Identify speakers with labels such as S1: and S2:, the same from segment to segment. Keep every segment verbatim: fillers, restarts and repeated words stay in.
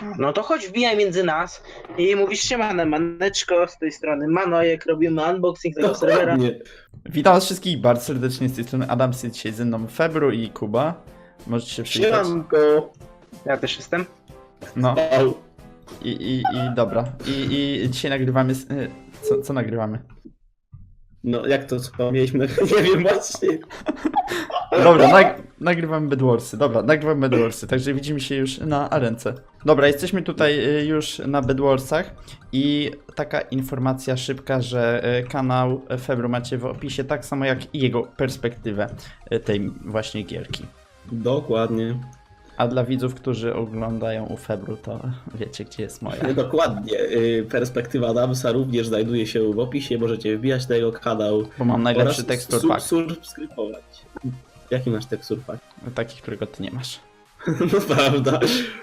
S1: No to chodź, wbijaj między nas i mówisz siemane, maneczko, z tej strony Manojek, robimy unboxing tego serwera.
S2: Nie.
S3: Witam was wszystkich bardzo serdecznie, z tej strony Adam, jest dzisiaj ze mną Febru i Kuba. Możecie się przywitać.
S2: Siemanko.
S1: Ja też jestem.
S3: No
S2: Au.
S3: i, i, i dobra. I, i dzisiaj nagrywamy... s- y, Co, co nagrywamy?
S2: No jak to co mieliśmy? Nie wiem właśnie.
S3: Dobra, nag, nagrywamy Bedwarsy. Dobra, nagrywamy Bedwarsy, także widzimy się już na arence. Dobra, jesteśmy tutaj y, już na Bedwarsach i taka informacja szybka, że y, kanał Febru macie w opisie, tak samo jak i jego perspektywę y, tej właśnie gierki.
S2: Dokładnie.
S3: A dla widzów, którzy oglądają u Febru, to wiecie, gdzie jest moja.
S2: Dokładnie. Y, Perspektywa Adamsa również znajduje się w opisie. Możecie wbijać na jego kanał.
S3: Bo mam najlepszy
S2: oraz
S3: tekstur
S2: su-
S3: pack.
S2: subskrybować. Jaki masz tekstur pack?
S3: Taki, którego ty nie masz.
S2: No prawda.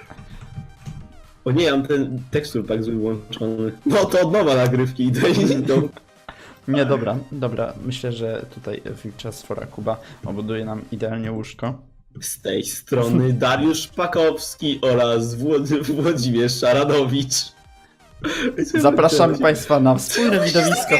S2: O nie, mam ten tekstur pack zły włączony. No to od nowa nagrywki idę i idą.
S3: Nie, dobra, dobra. Myślę, że tutaj czas fora Kuba obuduje nam idealnie łóżko.
S2: Z tej strony Dariusz Pakowski oraz Włod- Włodzimierz Szaranowicz.
S3: Zapraszamy Państwa na wspólne widowisko.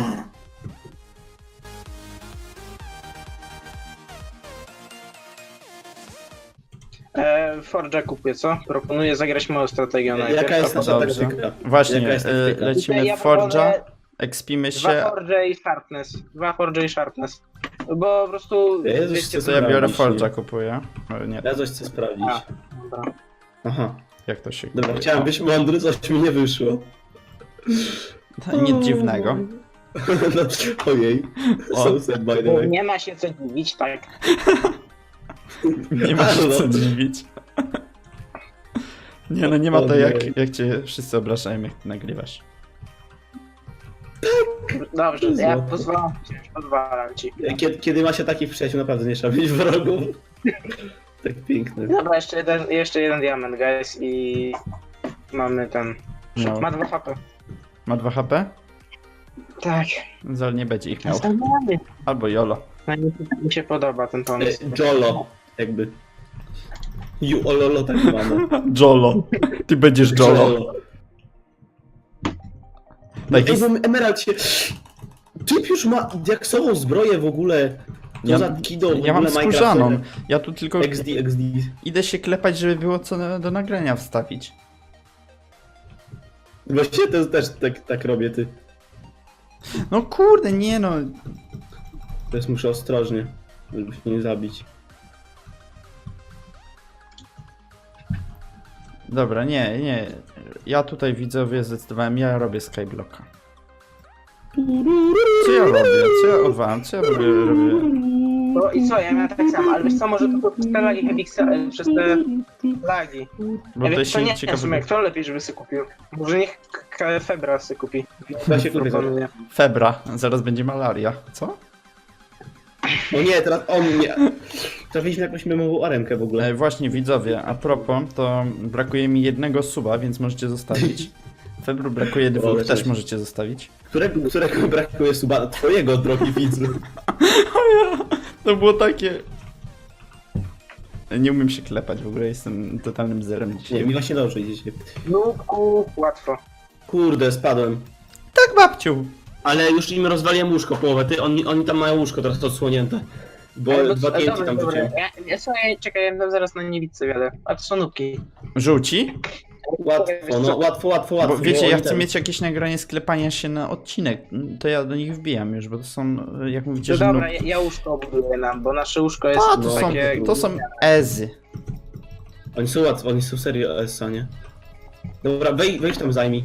S1: E, Forge'a kupię, co? Proponuję zagrać moją strategię najpierw.
S2: Jaka jest
S1: a
S2: nasza
S3: Dobrze.
S2: taktyka?
S3: Właśnie,
S2: Jaka jest
S3: y,
S2: taktyka?
S1: Tutaj
S3: lecimy
S1: ja
S3: w Forge'a,
S1: proponuję
S3: ekspimy
S1: Dwa
S3: się.
S1: Forge i Sharpness. Dwa Forge i Sharpness. Bo po prostu...
S2: Jezus,
S1: wiecie,
S2: co
S3: To ja biorę
S2: Sprawdzić,
S3: Forge'a,
S2: nie?
S3: kupuję. O, nie,
S2: Ja coś chcę sprawdzić.
S1: A, dobra.
S2: Aha.
S3: jak to się
S2: Dobra,
S3: kupuje?
S2: chciałem być mądry, coś mi nie wyszło.
S3: O, nic dziwnego.
S2: No, ojej.
S3: O.
S2: So sad by the way.
S1: Nie ma się co dziwić, tak.
S3: Nie ma się
S2: No.
S3: co dziwić. Nie no, nie ma to
S2: O nie.
S3: jak, jak cię wszyscy obrażają, jak ty nagrywasz.
S1: Dobrze, ja
S2: Złoto.
S1: pozwalam ci, pozwalam ci.
S2: Kiedy, kiedy ma się takich przyjaciół, naprawdę nie trzeba mieć wrogów. Tak piękny.
S1: Dobra, jeszcze jeden, jeszcze jeden diament, guys, i mamy ten...
S3: No.
S1: Ma dwa H P.
S3: Ma dwa H P?
S1: Tak.
S3: Zal nie będzie ich miał.
S1: Zostawiamy.
S3: Albo Jolo.
S1: No, mi, mi się podoba ten
S2: E,
S1: pomysł.
S2: Jolo, jakby. Ju ololo tak mamy.
S3: Jolo. Ty będziesz Jolo. Daj,
S2: Ej, bo Emerald się... Typ już ma diaksową zbroję w ogóle. To
S3: Ja-
S2: za kido w
S3: ja mam
S2: ogóle
S3: skórzaną.
S2: Minecraftowe.
S3: Ja tu tylko
S2: X D, X D.
S3: idę się klepać, żeby było co na, do nagrania wstawić.
S2: Właściwie to też tak, tak robię, ty.
S3: No kurde, nie no.
S2: Teraz muszę ostrożnie, żeby się nie zabić.
S3: Dobra, nie, nie. Ja tutaj widzowie zdecydowałem, ja robię Skyblocka. Co ja robię? Co ja odwalam? Co ja robię? robię?
S1: No i co, ja miałem tak samo, ale wiesz co, może to przez te lagi Hebixa, przez te lagi.
S3: Bo
S1: Ja
S3: to
S1: wiem, to
S3: się
S1: nie
S3: ciekawe.
S1: wiem, kto lepiej, żeby sobie kupił. Może niech K- Febra sobie kupi.
S2: Ja się kupię.
S1: Proponuję.
S3: Febra, zaraz będzie malaria. Co?
S2: O nie, teraz on nie. Trafiliśmy jakąś memową arenkę w ogóle.
S3: E, właśnie widzowie, a propos, to brakuje mi jednego suba, więc możecie zostawić. Febru brakuje dwóch,
S2: Ale
S3: też
S2: cześć.
S3: możecie zostawić.
S2: Którego, którego brakuje suba? Twojego, drogi widzu.
S3: To było takie... Nie umiem się klepać, w ogóle jestem totalnym zerem
S2: Nie,
S3: dzisiaj.
S2: mi właśnie dobrze idzie się.
S1: Nubku, łatwo.
S2: Kurde, spadłem.
S3: Tak, babciu!
S2: Ale już im rozwaliłem łóżko połowę, ty, oni, oni tam mają łóżko teraz odsłonięte. Bo
S1: Ej,
S2: dwa
S1: dobra,
S2: T N T tam
S1: dobra,
S2: wrzuciłem.
S1: Ja, ja sobie, czekaj, ja tam zaraz na niewidce wiadę. A to są nubki.
S3: Żółci?
S2: Łatwo, no łatwo, łatwo, łatwo.
S3: Bo wiecie,
S2: Oni
S3: ja chcę
S2: ten-
S3: mieć jakieś nagranie sklepania się na odcinek, to ja do nich wbijam już, bo to są, jak mówicie,
S1: No
S3: że
S1: dobra,
S3: no...
S1: ja, ja łóżko buduję nam, bo nasze łóżko jest
S3: A, to są,
S1: takie...
S3: to są ezy.
S2: Oni są łatwo, oni są serio S, nie? Dobra, wej, wejdź tam zajmij.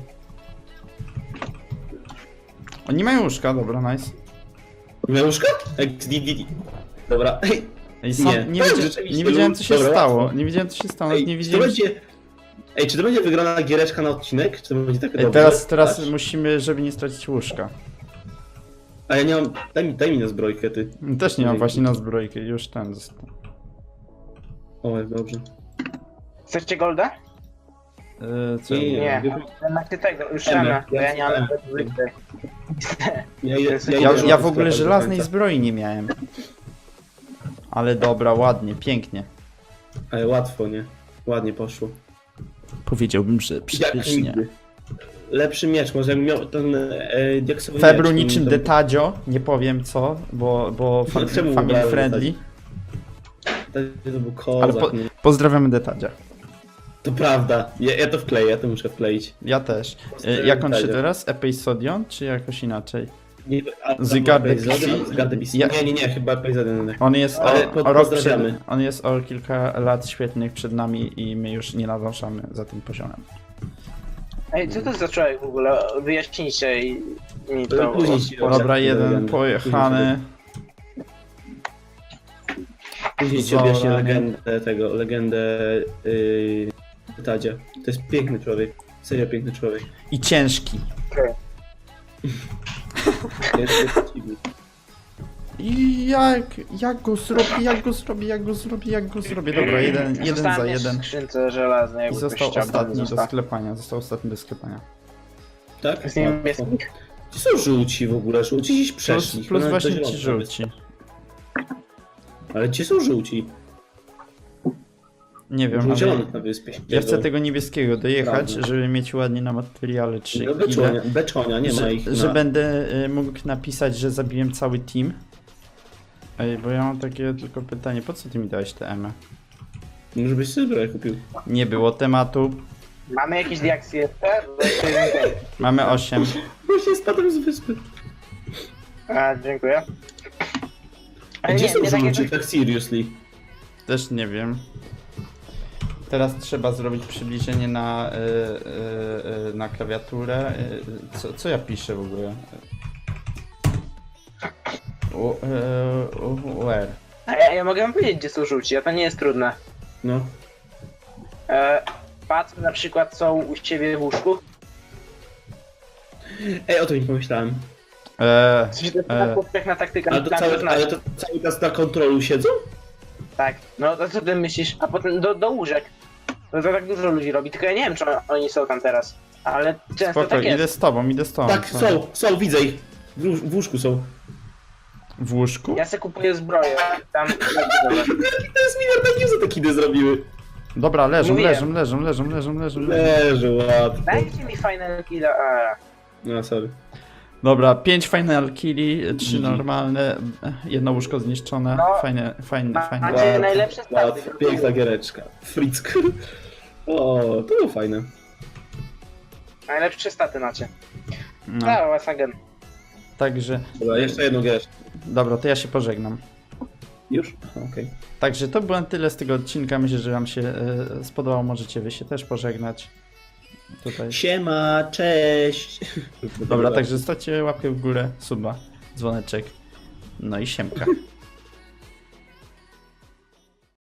S3: Oni mają łóżka, dobra, nice.
S2: Miał łóżko? X D D D. Dobra, ej,
S3: Ej, sam,
S2: Nie.
S3: nie,
S2: Tak,
S3: wiedzia
S2: rzeczywiście,
S3: nie wiedziałem co się
S2: dobra,
S3: stało,
S2: łatwo.
S3: nie wiedziałem co się stało,
S2: ej,
S3: nie
S2: czy to
S3: wiedziałem...
S2: będzie... Ej, czy to będzie wygrana giereczka na odcinek? Czy to będzie takie
S3: Ej,
S2: dobrze?
S3: teraz, teraz
S2: Patrz.
S3: musimy, żeby nie stracić łóżka.
S2: A ja nie mam... Daj mi, daj mi na zbrojkę, ty.
S3: Też nie mam właśnie na zbrojkę, już ten został.
S2: O, jak dobrze.
S1: Chcecie golda?
S3: Yy, co?
S2: Nie,
S1: Nie.
S2: nie.
S1: Macie tego, już
S2: Emy,
S1: rana, bo ja nie mam
S2: Emy.
S1: zwykle.
S2: Ja, idę-
S1: Ja-
S3: Ja,
S2: idę
S3: ja
S2: na
S3: w ogóle
S2: sklepę do
S3: żelaznej
S2: końca.
S3: zbroi nie miałem. Ale dobra, ładnie, pięknie.
S2: Ale łatwo, nie? Ładnie poszło.
S3: Powiedziałbym, że
S2: Jak
S3: przepysznie.
S2: nigdy. Lepszy miecz, może jakbym miał ten e, diaksowy
S3: Febru
S2: miecz,
S3: niczym
S2: to-
S3: Detadzio, nie powiem co, bo, bo
S2: No
S3: fa
S2: czemu
S3: family
S2: ubrałem
S3: friendly.
S2: To, to był
S3: Ale
S2: kozak,
S3: po,
S2: nie?
S3: pozdrawiamy Detadzia.
S2: To prawda, ja, ja to wkleję, ja to muszę wkleić.
S3: Ja też. Y,
S2: Pozdrawiam
S3: Jak on się
S2: Detadzia.
S3: teraz? Episodion, czy jakoś inaczej?
S2: Nie, a,
S3: Zygarde
S2: Epizody,
S3: Pixie?
S2: Zygarde Pixie.
S3: Ja-
S2: Nie, nie, nie, chyba epizody.
S3: On jest
S2: Ale
S3: o,
S2: po-
S3: o rok przed,
S2: pozdrawiamy.
S3: on jest o kilka lat świetnych przed nami i my już nie nadążamy za tym poziomem.
S1: Ej, co to za człowiek w ogóle? Wyjaśnijcie i mi to.
S2: Później ci
S1: o-
S2: Dobra,
S3: Dobra, jeden
S2: legendy.
S3: pojechany.
S2: Później ci objaśnię
S3: Zora, nie?
S2: legendę tego, legendę yy, Tadzia. To jest piękny człowiek. Serio piękny człowiek.
S3: I ciężki.
S2: Jest, jest dziwny.
S3: I jak, jak go zrobię, jak go zrobię, jak go zrobię, jak go zrobię. Dobra, jeden, jeden za
S1: Zostałem
S3: jeden.
S1: w skrzynce żelaznej,
S3: I
S1: jakby
S3: został
S1: ktoś chciał,
S3: ostatni do
S1: został.
S3: sklepania, został ostatni do sklepania.
S2: Tak?
S1: Z nim
S2: Łatwo.
S1: jest nick?
S2: Ci są żółci w ogóle, żółci dziś
S3: Plus,
S2: przeszli.
S3: plus
S2: Nawet
S3: właśnie
S2: do
S3: ci
S2: zielonych
S3: żółci.
S2: nawet. Ale ci są żółci.
S3: Nie wiem,
S2: Żółci
S3: ale
S2: zielonych na wyspie.
S3: ja chcę tego niebieskiego dojechać,
S2: Prawda.
S3: żeby mieć ładnie na materiale trzy
S2: No,
S3: kile.
S2: beczonia, beczonia, nie ma
S3: Że,
S2: ich
S3: że
S2: na...
S3: będę y, mógł napisać, że zabiłem cały team. Ej, bo ja mam takie tylko pytanie, po co ty mi dałeś te emy?
S2: Może byś sobie broję kupił.
S3: Nie było tematu,
S1: Mamy jakieś diaksy jeszcze? Bo jeszcze jeden ten.
S3: mamy osiem.
S2: Właśnie spadłem z wyspy.
S1: A, dziękuję.
S2: A
S1: Ale
S2: gdzie
S1: nie,
S2: są
S1: nie tak
S2: żółci,
S1: jak...
S2: tak seriously?
S3: Też nie wiem. Teraz trzeba zrobić przybliżenie na, y, y, y, na klawiaturę. Y, co, co ja piszę w ogóle? U, y, u, where?
S1: A ja, ja mogę wam powiedzieć, gdzie są żółci, a to nie jest trudne.
S2: No.
S1: E, patrz, na przykład są u ciebie w łóżku.
S2: Ej, o to nie pomyślałem.
S3: E,
S1: Coś to jest
S3: E.
S1: taka powszechna taktyka.
S2: Ale to,
S1: tam
S2: cały,
S1: znaczy.
S2: ale to cały czas na kontrolu siedzą?
S1: Tak, no to co ty myślisz? A potem do, do łóżek. No to tak dużo ludzi robi, tylko ja nie wiem, czy oni są tam teraz. Ale często
S3: spoko,
S1: tak
S3: idę
S1: jest.
S3: z tobą, idę z tobą.
S2: Tak,
S3: Co?
S2: są, są, widzę ich. W, łóż- w łóżku są.
S3: W łóżku?
S1: Ja se kupuję zbroję. Tam.
S2: To jest miliard za te kidy zrobiły.
S3: Dobra, leżą,
S1: Mówiłem.
S3: leżą, leżą, leżą, leżą, leżą, leżą.
S2: Leży łatwo.
S1: Dajcie mi final killa. A.
S2: No, sorry.
S3: Dobra, pięć final killi, trzy
S2: Mhm.
S3: normalne, jedno łóżko zniszczone.
S1: No.
S3: Fajne, fajne,
S1: Ma-
S3: fajne.
S1: Macie
S2: Łatwo,
S1: najlepsze staty.
S2: Łatwo, piękna giereczka. Frick. O, to było fajne.
S1: Najlepsze staty macie.
S3: No.
S1: No, Wasagen.
S3: Także,
S2: Dobra, jeszcze jedną giereczkę.
S3: dobra, to ja się pożegnam.
S2: Już? Aha, okej.
S3: Także to było na tyle z tego odcinka. Myślę, że wam się e, spodobało. Możecie wy się też pożegnać. Tutaj.
S2: Siema, cześć.
S3: Dobra, także zostawcie łapkę w górę, suba, dzwoneczek. No i siemka.